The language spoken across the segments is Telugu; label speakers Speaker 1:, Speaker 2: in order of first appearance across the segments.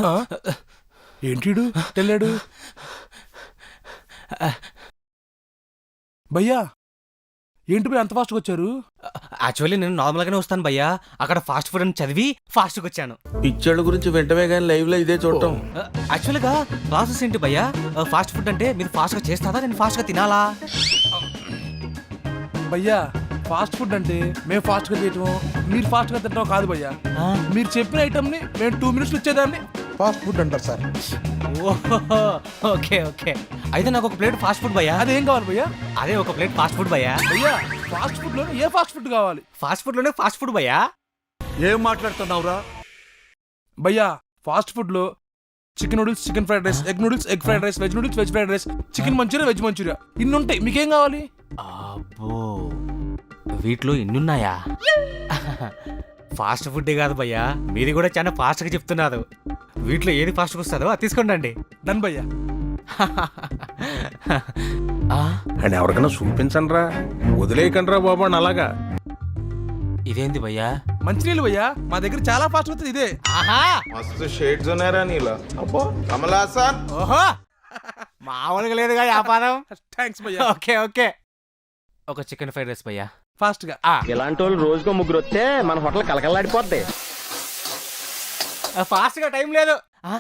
Speaker 1: ఏంటిడు తెల్లాడు భయ్యా? ఏంటి భయ్యా అంత ఫాస్ట్గా వచ్చారు?
Speaker 2: యాక్చువల్లీ నేను నార్మల్గానే వస్తాను భయ్యా, అక్కడ ఫాస్ట్ ఫుడ్ అని చదివి ఫాస్ట్గా వచ్చాను.
Speaker 3: పిచ్చోళ్ళ గురించి వెంటనే కానీ లైవ్ లో ఇదే చూడటం.
Speaker 2: యాక్చువల్గా ప్రాసెస్ ఏంటి భయ్యా? ఫాస్ట్ ఫుడ్ అంటే మీరు ఫాస్ట్గా చేస్తారా, నేను ఫాస్ట్గా తినాలా?
Speaker 1: భయ్యా ఫాస్ట్ ఫుడ్ అంటే మేము ఫాస్ట్గా చేయటం, మీరు ఫాస్ట్గా తినడం కాదు భయ్యా. మీరు చెప్పిన ఐటమ్ని మేము 2 minutes వచ్చేదాన్ని ఫాస్ట్ ఫుడ్ అంటారు సార్.
Speaker 2: ఓకే ఓకే, అయితే నాకు ఒక ప్లేట్ ఫాస్ట్ ఫుడ్ భయ్యా.
Speaker 1: అదేం కావాలి భయ్యా?
Speaker 2: అదే ఒక ప్లేట్ ఫాస్ట్ ఫుడ్ భయ్యా.
Speaker 1: భయ్యా ఫాస్ట్ ఫుడ్ లోనే ఏ ఫాస్ట్ ఫుడ్ కావాలి?
Speaker 2: ఫాస్ట్ ఫుడ్ లోనే ఫాస్ట్ ఫుడ్ భయ్యా.
Speaker 1: ఏం మాట్లాడుతున్నావురా భయ్యా? ఫాస్ట్ ఫుడ్ లో chicken noodles, chicken fried rice, egg noodles, egg fried rice, veg noodles, veg fried rice, chicken manchuria, veg manchuria, ఇన్ని ఉంటాయి. మీకేం కావాలి?
Speaker 2: అబ్బో, వీటిలో ఇన్నున్నాయా? ఫాస్ట్ ఫుడ్ కాదు భయ్యా, మీది కూడా చాలా ఫాస్ట్గా చెప్తున్నారు. వీటిలో ఏది ఫాస్ట్గా వస్తుందో అది తీసుకోండి.
Speaker 1: డన్ భయ్యా.
Speaker 3: అండ్ ఎవరికైనా చూపించండి రా, వదిలేయకండి రా బాబు అని అలాగా.
Speaker 2: ఇదేంది భయ్యా?
Speaker 1: మంచినీళ్ళు భయ్యా, మా దగ్గర చాలా ఫాస్ట్ అవుతుంది ఇదే.
Speaker 3: మస్తు షేడ్స్ ఉన్నారా నీలా. అబ్బో కమల్ హాసన్.
Speaker 2: ఓహో, మామూలుగా లేదుగా వ్యాపారం.
Speaker 1: థ్యాంక్స్ భయ్యా.
Speaker 2: ఓకే ఓకే, ఒక చికెన్ ఫ్రైడ్ రైస్ భయ్యా
Speaker 1: ఫాస్ట్ గా.
Speaker 4: ఇలాంటి వాళ్ళు రోజుకో 3 వస్తే మన హోటల్ కలకల్లాడిపోద్ది.
Speaker 2: ఫాస్ట్ గా టైం లేదు.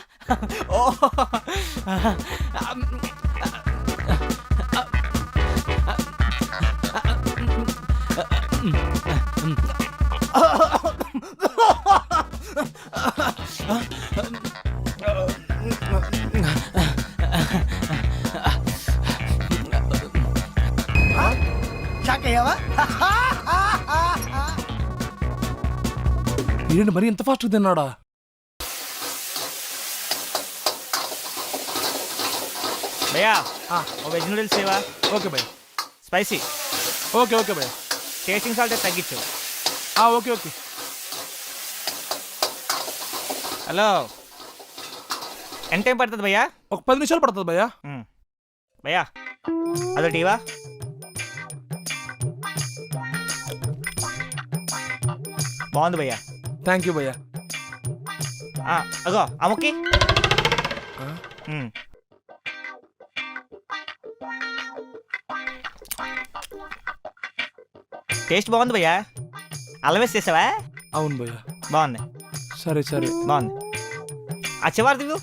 Speaker 1: ఏంటి మరి ఇంత ఫాస్ట్ తిన్నాడా?
Speaker 2: భయ్యా వెజ్ నూడిల్స్ సేవా.
Speaker 1: ఓకే భయ్యా.
Speaker 2: స్పైసీ.
Speaker 1: ఓకే ఓకే భయ్యా.
Speaker 2: టేస్టింగ్ సాల్ట్ తగ్గించు.
Speaker 1: Okay okay.
Speaker 2: హలో, ఎంత టైం పడుతుంది భయ్యా?
Speaker 1: ఒక 10 నిమిషాలు పడుతుంది భయ్యా.
Speaker 2: భయ్యా అదో టీవా. బాగుంది భయ్యా.
Speaker 1: థ్యాంక్ యూ భయ్యా.
Speaker 2: అగో అమ్మకి. టేస్ట్ బాగుంది భయ్యా. అల్లం వేసి చేసావా?
Speaker 1: అవును భయ్యా.
Speaker 2: బాగుంది.
Speaker 1: సరే సరే
Speaker 2: బాగుంది. ఆ చివరి దిగు.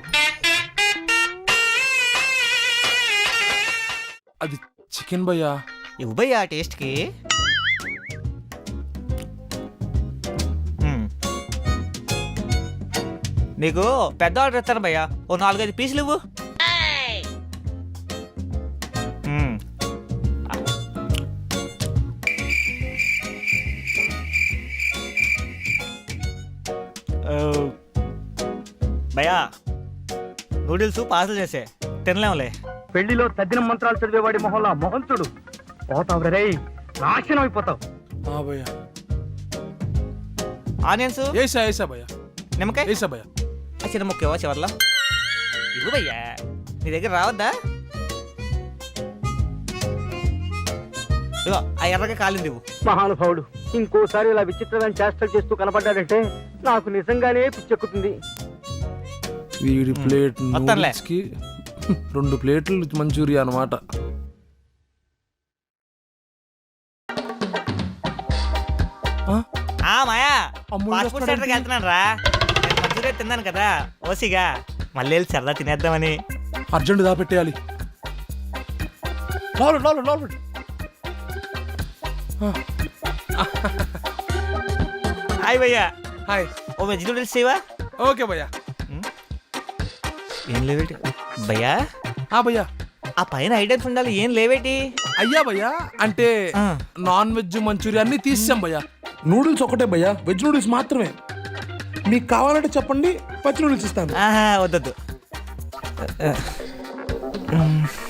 Speaker 1: అది చికెన్ భయ్యా.
Speaker 2: ఇవ్వు భయ్యా టేస్ట్కి. నీకు పెద్ద ఆర్డర్ ఇస్తాను భయ్యా, ఓ 4-5 పీసులు ఇవ్వు. భయ్యా నూడిల్స్ పార్సల్ చేసే, తినలేములే.
Speaker 4: పెళ్లిలో తద్దిన మంత్రాలు చదివేవాడి మొహంలో మొహం చూడు. పోతావు రే, నాశనం అయిపోతావు.
Speaker 1: భయ్యా.
Speaker 2: ఆనియన్స్
Speaker 1: ఏసా భయ్యా.
Speaker 2: నిమ్మకాయ
Speaker 1: ఏసా భయ్యా.
Speaker 2: చిన్న ముఖ్యవా చివర్లో ఇవ్వు భయ్యా. నీ దగ్గర రావద్దా? ఇగో ఆ ఎర్రగా కాలింది ఇవ్వు.
Speaker 4: మహానుభావుడు ఇంకోసారి ఇలా విచిత్రమైన చేష్టలు చేస్తూ కనపడ్డాడంటే నాకు నిజంగానే పిచ్చెక్కుతుంది.
Speaker 1: వీడి ప్లేట్
Speaker 2: మొత్తంలే.
Speaker 1: నూడిల్స్కి 2 ప్లేట్లు మంచూరియా అన్నమాట.
Speaker 2: మాయా
Speaker 1: అమ్ముడు
Speaker 2: ఫాస్ట్ ఫుడ్ సెంటర్కి వెళ్తున్నాను రా. నేను మంచూరియా తిన్నాను కదా ఓసిగా, మళ్ళీ వెళ్ళి సరదా తినేద్దామని.
Speaker 1: అర్జెంట్ దాపెట్టేయాలి. లోపల
Speaker 2: హాయ్ భయ్యా.
Speaker 1: హాయ్.
Speaker 2: ఓ వెజ్ నూడిల్స్ ఇవా.
Speaker 1: ఓకే భయ్యా.
Speaker 2: ఏం లేవేటి భయ్యా?
Speaker 1: భయ్యా
Speaker 2: ఆ పైన ఐటమ్స్ ఉండాలి, ఏం లేవేటి?
Speaker 1: అయ్యా భయ్యా, అంటే నాన్ వెజ్ మంచూరియా అన్ని తీసాం భయ్యా. నూడిల్స్ ఒకటే భయ్యా, వెజ్ నూడిల్స్ మాత్రమే. మీకు కావాలంటే చెప్పండి, పచ్చి నూడిల్స్ ఇస్తాను.
Speaker 2: వద్దొద్దు.